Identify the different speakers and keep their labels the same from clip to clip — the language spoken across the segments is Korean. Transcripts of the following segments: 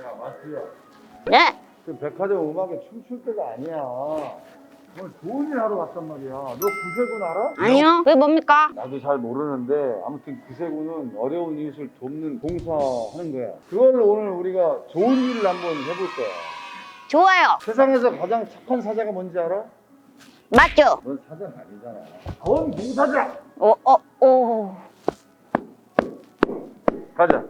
Speaker 1: 야, 마스야.
Speaker 2: 네.
Speaker 1: 그 백화점 음악에 춤출 때가 아니야. 오늘 좋은 일 하러 갔단 말이야. 너 구세군 알아?
Speaker 2: 아니요. 그게 뭡니까?
Speaker 1: 나도 잘 모르는데 아무튼 구세군은 어려운 이웃을 돕는 봉사하는 거야. 그걸로 오늘 우리가 좋은 일을 한번 해볼 거야.
Speaker 2: 좋아요.
Speaker 1: 세상에서 가장 착한 사자가 뭔지 알아?
Speaker 2: 맞죠?
Speaker 1: 넌 사자 아니잖아. 넌 봉사자.
Speaker 2: 오.
Speaker 1: 가자.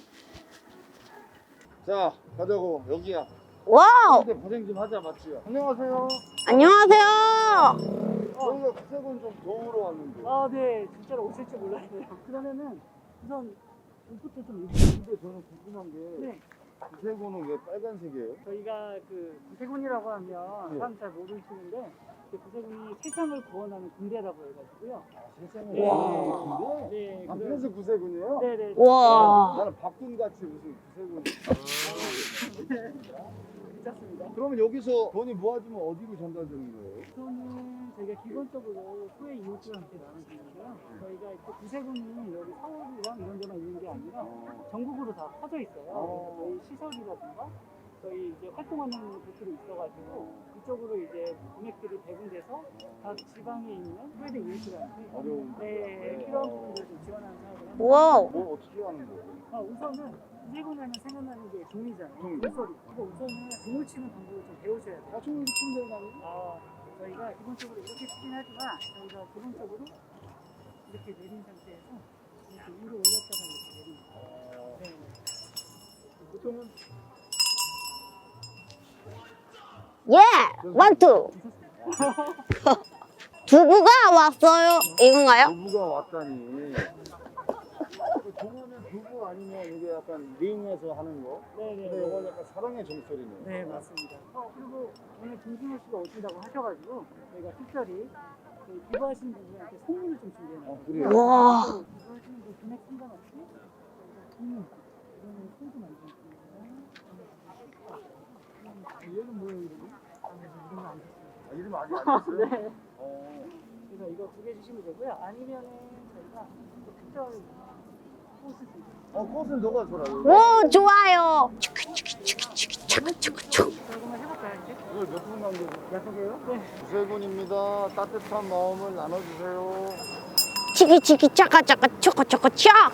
Speaker 1: 자, 가자고. 여기야.
Speaker 2: 와우.
Speaker 1: 근데 고생 좀 하자, 맞지요? 안녕하세요.
Speaker 2: 안녕하세요.
Speaker 1: 저희가 구세군 좀 도우러 왔는데.
Speaker 3: 아, 네. 진짜로 오실 줄 몰랐어요. 그러면은 우선 옷부터 좀 입으세요.
Speaker 1: 근데 저는 궁금한 게
Speaker 3: 네.
Speaker 1: 구세군은 왜 빨간색이에요?
Speaker 3: 저희가 그 구세군이라고 하면
Speaker 1: 네.
Speaker 3: 사람 잘 모르시는데 그 구세군이 세상을 구원하는 군대라고 해가지고요.
Speaker 1: 세상에.
Speaker 3: 네.
Speaker 1: 와.
Speaker 3: 네.
Speaker 1: 아, 그래서 구세군이에요?
Speaker 3: 네네.
Speaker 2: 와.
Speaker 1: 나는 박군같이 무슨 구세군.
Speaker 3: 괜찮습니다.
Speaker 1: 그러면 여기서 돈이 모아지면 어디로 전달되는 거예요?
Speaker 3: 우선은 저희가 기본적으로 후에 이웃들한테 나눠주는데요. 저희가 이렇게 구세군이 여기 서울이랑 이런 데만 있는 게 아니라 전국으로 다 퍼져 있어요. 저희 시설이라든가 저희 이제 활동하는 곳들이 있어가지고 이쪽으로 이제 금액들이 배분돼서 각 지방에 있는 소외된 이웃들한테
Speaker 1: 어려운.
Speaker 3: 네, 필요한 부분들을 좀 지원하는 사업을 합니다.
Speaker 2: 와우.
Speaker 1: 뭐 어떻게 하는 거예요?
Speaker 3: 우선은 구세군하면 생각나는 게 종이잖아요.
Speaker 1: 종.
Speaker 3: 종소리. 그거 우선은 종을 치는 방법을 좀 배우셔야 돼요.
Speaker 1: 총 이렇게 치면 되는
Speaker 3: 저희가 기본적으로 이렇게 치긴 하지만 저희가 기본적으로 이렇게 내린 상태에서 이렇게 위로 올렸다가 이렇게 내립니다. 네.
Speaker 1: 보통은
Speaker 2: 예. 원투. 두부가 왔어요. 이건가요?
Speaker 1: 두부가 왔다니. 종하면 두부 아니면 이게 약간 링에서 하는 거?
Speaker 3: 네네.
Speaker 1: 근데 이건 약간 사랑의 종소리네.
Speaker 3: 네, 맞습니다. 그리고 오늘 김승호 씨가 오신다고 하셔가지고 저희가 특별히 저희 기부하신 분들한테 선물을 좀 준비해놨어요.
Speaker 1: 그래요?
Speaker 2: 와.
Speaker 3: 기부하시는 분 금액 상관없이 저희가 선물, 이거는 소주 만들었습니다.
Speaker 1: 얘는 뭐예요, 이름이?
Speaker 3: 이런 거안 줬어요.
Speaker 1: 아, 이름 아직 안 됐어요?
Speaker 3: 네.
Speaker 1: 어.
Speaker 3: 그래서 이거 2개 주시면 되고요. 아니면은 저희가 또 특별 꽃을 드릴게요.
Speaker 1: 꽃은 너가 줘라.
Speaker 2: 오, 좋아요.
Speaker 3: 저 그러면 해볼까요, 이제?
Speaker 1: 이걸 몇분 관계죠?
Speaker 3: 약속해요? 네.
Speaker 1: 구세군입니다. 따뜻한 마음을 나눠주세요.
Speaker 2: 치키 짜까 초코 차.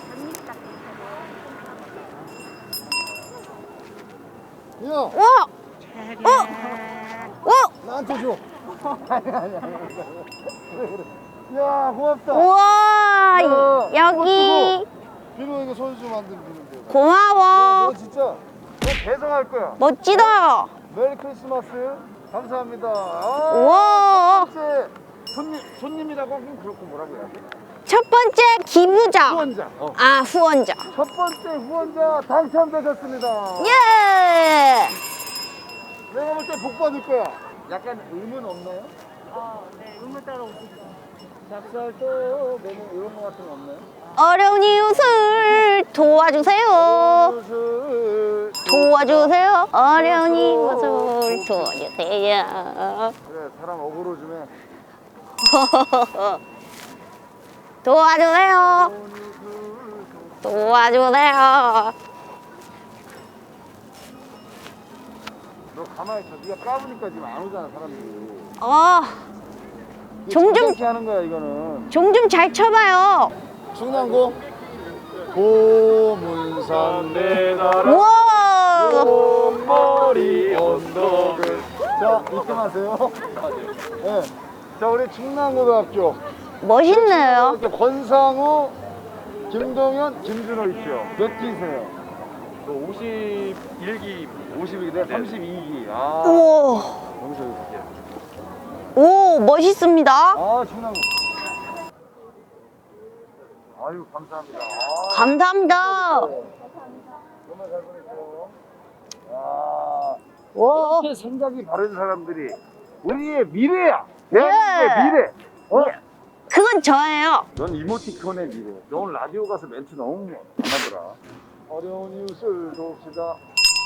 Speaker 1: 야,
Speaker 2: 와. 오.
Speaker 1: 나한테 줘. 아니. 그래. 야, 고맙다.
Speaker 2: 우와.
Speaker 1: 야,
Speaker 2: 여기.
Speaker 1: 비누 이거 손수 만든 비누인데.
Speaker 2: 고마워.
Speaker 1: 너 진짜 너 배송할 거야.
Speaker 2: 멋지다.
Speaker 1: 메리 크리스마스. 감사합니다. 아,
Speaker 2: 우와.
Speaker 1: 첫 번째 손님이라고 하긴 그렇고 뭐라고 해야 돼?
Speaker 2: 첫 번째 기부자.
Speaker 1: 후원자.
Speaker 2: 아, 후원자.
Speaker 1: 첫 번째 후원자 당첨되셨습니다.
Speaker 2: 예.
Speaker 1: 내가 볼 때 복 받을 거야. 약간 의문 없나요?
Speaker 3: 네. 의무 따라 오시죠.
Speaker 1: 닭살도 메뉴 이런 거 같은 거 없나요?
Speaker 2: 어려운 이웃을 도와주세요. 도와주세요. 어려운 이웃을 도와주세요.
Speaker 1: 그래, 사람 억울로 좀 해.
Speaker 2: 도와주세요. 도와주세요.
Speaker 1: 너 가만히 있어. 네가 까부니까 지금 안 오잖아, 사람들이.
Speaker 2: 종좀-
Speaker 1: 종좀 하는 거야, 이거는.
Speaker 2: 종 좀 잘 쳐봐요.
Speaker 1: 충남고 고문산 내다라
Speaker 2: 우와.
Speaker 1: 머리 언덕을. 자, 입금하세요. 네. 자, 우리 충남고등학교
Speaker 2: 멋있네요.
Speaker 1: 권상우, 김동현, 김준호 있죠. 몇 기세요?
Speaker 4: 51기
Speaker 1: 52기, 내가 32기. 아,
Speaker 2: 오.
Speaker 1: 여기서 이렇게.
Speaker 2: 오, 멋있습니다.
Speaker 1: 아, 충남고. 아유, 감사합니다. 아,
Speaker 2: 감사합니다.
Speaker 1: 정말 잘 보냈어요. 야,
Speaker 2: 와.
Speaker 1: 이렇게 생각이 바른 사람들이 우리의 미래야. 대한민국의
Speaker 2: 예.
Speaker 1: 미래.
Speaker 2: 그건 저예요.
Speaker 1: 넌 이모티콘의 미래. 너 오늘 라디오 가서 멘트 너무 안 하더라. 어려운 이웃을 돕시다.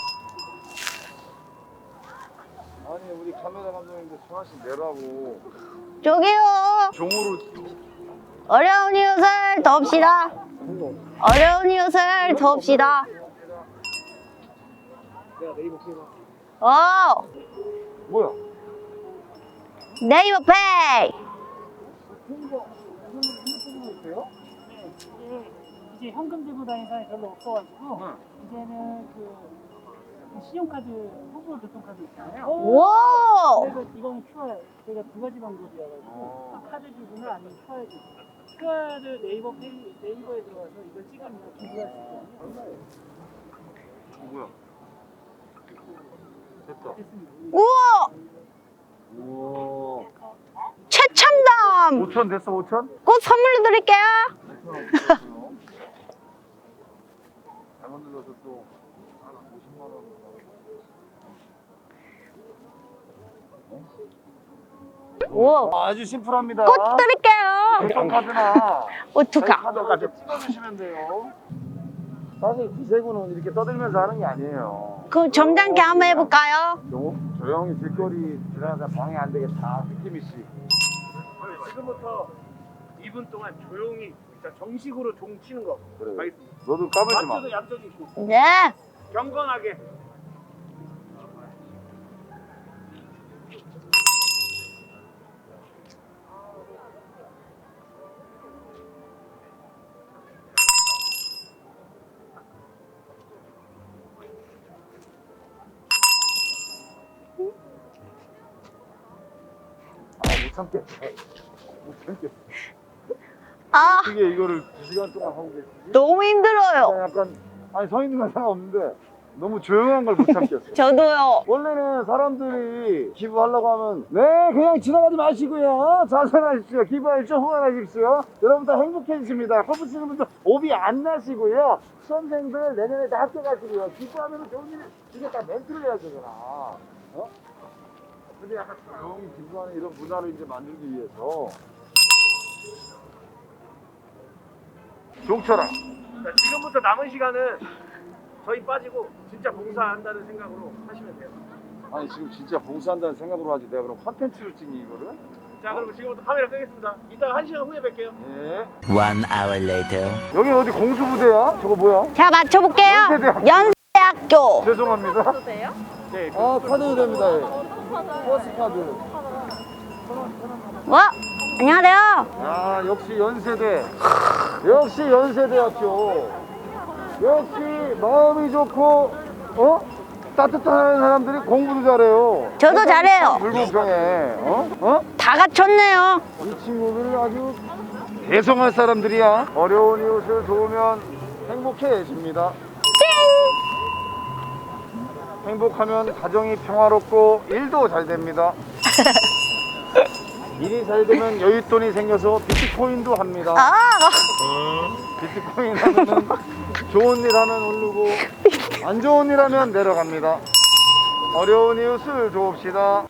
Speaker 1: 아니, 우리 카메라 감독님들 하나씩 내라고.
Speaker 2: 저기요.
Speaker 1: 종으로.
Speaker 2: 어려운 이웃을 돕시다. 어려운 이웃을 돕시다.
Speaker 3: 내가 네이버 페이로.
Speaker 1: 뭐야?
Speaker 2: 네이버 페이.
Speaker 1: 이거 핸드폰으로 있어요?
Speaker 3: 네, 이제 현금 들고 다니는 사람이 별로 없어가지고 이제는 그 신용카드, 후보 교통카드 있잖아요.
Speaker 2: 오.
Speaker 3: 그래서 이거는 QR, 저희가 두 가지 방법이어가지고 카드 기부나 아니면 QR 기부. QR을 네이버에 들어가서 이걸 찍으면 기부할 수 있거든요.
Speaker 1: 뭐야? 됐다.
Speaker 3: 됐습니다.
Speaker 2: 우와.
Speaker 1: 우와.
Speaker 2: 최첨단.
Speaker 1: 5천 됐어, 5천?
Speaker 2: 곧 선물로 드릴게요.
Speaker 1: 잘못 눌러서 또 50만 원.
Speaker 2: 우와.
Speaker 1: 아주 심플합니다.
Speaker 2: 곧 드릴게요.
Speaker 1: 교통카드나
Speaker 2: 어떡하.
Speaker 1: 카드까지 찍어주시면 돼요. 사실 기세구는 이렇게 떠들면서 하는 게 아니에요.
Speaker 2: 그럼 점잖게 한번 해볼까요?
Speaker 1: 조용히 길거리 지나가다 방해 안 되게 다 느낌이 씨.
Speaker 4: 지금부터 2분 동안 조용히 진짜 정식으로 종 치는 거
Speaker 1: 그래.
Speaker 4: 가겠습니다.
Speaker 1: 너도 까불지 마.
Speaker 4: 맞춰도 얌전히 있고
Speaker 2: 네.
Speaker 4: 경건하게.
Speaker 1: 못 참겠어. 못 참겠어.
Speaker 2: 아,
Speaker 1: 어떻게 이거를 2시간 동안 하고 계시지?
Speaker 2: 너무 힘들어요.
Speaker 1: 약간 아니 서 있는 건 상관없는데 너무 조용한 걸 못 참겠어.
Speaker 2: 저도요.
Speaker 1: 원래는 사람들이 기부하려고 하면 네 그냥 지나가지 마시고요 자선하십시오 기부하십시오 후원하십시오 여러분 다 행복해지십니다 골프 치는 분들 오비 안 나시고요 수험생들 내년에 다 학교 가시고요 기부하면 좋은 일 이게 다 멘트를 해야 되잖아 어? 근데 약간 조용히 기부하는 이런 문화를 이제 만들기 위해서 종철아
Speaker 4: 자, 지금부터 남은 시간은 저희 빠지고 진짜 봉사한다는 생각으로 하시면 돼요.
Speaker 1: 아니 지금 진짜 봉사한다는 생각으로 하지 내가 그럼 컨텐츠로 찍니 이거를?
Speaker 4: 자, 그럼 지금부터 카메라 끄겠습니다. 이따 1시간 후에 뵐게요.
Speaker 1: 예.
Speaker 5: 1 hour later.
Speaker 1: 여기 어디 공수부대야? 저거 뭐야?
Speaker 2: 자, 맞춰볼게요. 연세대학교.
Speaker 1: 죄송합니다.
Speaker 4: 네,
Speaker 1: 아 카드 됩니다. 예. 버스 카드.
Speaker 2: 와, 안녕하세요.
Speaker 1: 아 역시 연세대. 역시 연세대학교. 역시 마음이 좋고 따뜻한 사람들이 공부도 잘해요.
Speaker 2: 저도 잘해요.
Speaker 1: 불공평해. 어?
Speaker 2: 다 갖췄네요.
Speaker 1: 이 친구들 아주 대성할 사람들이야. 어려운 이웃을 도우면 행복해집니다. 행복하면 가정이 평화롭고 일도 잘 됩니다. 일이 잘 되면 여윳돈이 생겨서 비트코인도 합니다.
Speaker 2: 아,
Speaker 1: 비트코인 하면은 좋은 일 하면 오르고 안 좋은 일 하면 내려갑니다. 어려운 이웃을 도웁시다.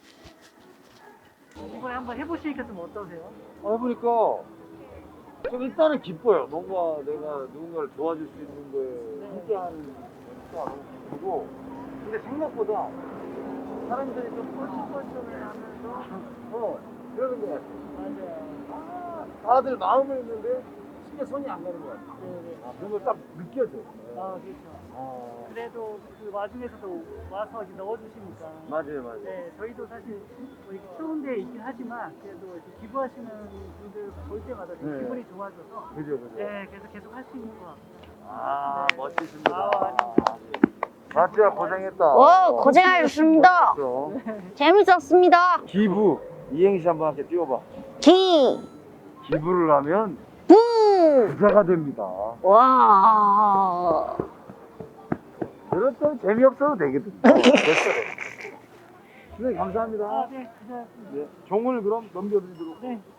Speaker 3: 이번에 한번 해보시니까 좀 어떠세요?
Speaker 1: 해보니까 좀 일단은 기뻐요. 뭔가 내가 누군가를 도와줄 수 있는 거에 함께하는 거가 너무 기쁘고 근데 생각보다 사람들이 좀 뻘쭘뻘쭘해하면서 그러는 것 같아.
Speaker 3: 맞아요.
Speaker 1: 다들 마음은 있는데 쉽게 손이 안 가는 것 같아.
Speaker 3: 네네.
Speaker 1: 그런 걸 딱 느껴져.
Speaker 3: 아, 그렇죠.
Speaker 1: 아,
Speaker 3: 그래도 그 와중에서도 와서 이렇게 넣어주시니까.
Speaker 1: 맞아요, 맞아요.
Speaker 3: 네, 저희도 사실 뭐 이렇게 추운 데 있긴 하지만 그래도 이렇게 기부하시는 분들 볼 때마다 되게
Speaker 1: 네.
Speaker 3: 기분이 좋아져서
Speaker 1: 그죠, 그죠.
Speaker 3: 네, 그래서 계속 할 수 있는 것 같아요.
Speaker 1: 아,
Speaker 3: 네.
Speaker 1: 멋지십니다.
Speaker 3: 아,
Speaker 1: 마치야 고생했다.
Speaker 2: 오, 고생하셨습니다. 재밌었습니다.
Speaker 1: 기부 이행시 한번 함께 띄워봐. 기부를 하면
Speaker 2: 부.
Speaker 1: 부자가 됩니다.
Speaker 2: 와.
Speaker 1: 그렇다면 재미없어도 되거든. 됐어. 선생님 감사합니다.
Speaker 3: 아, 네, 고생하셨습니다.
Speaker 1: 네, 종을 그럼 넘겨드리도록.
Speaker 3: 네.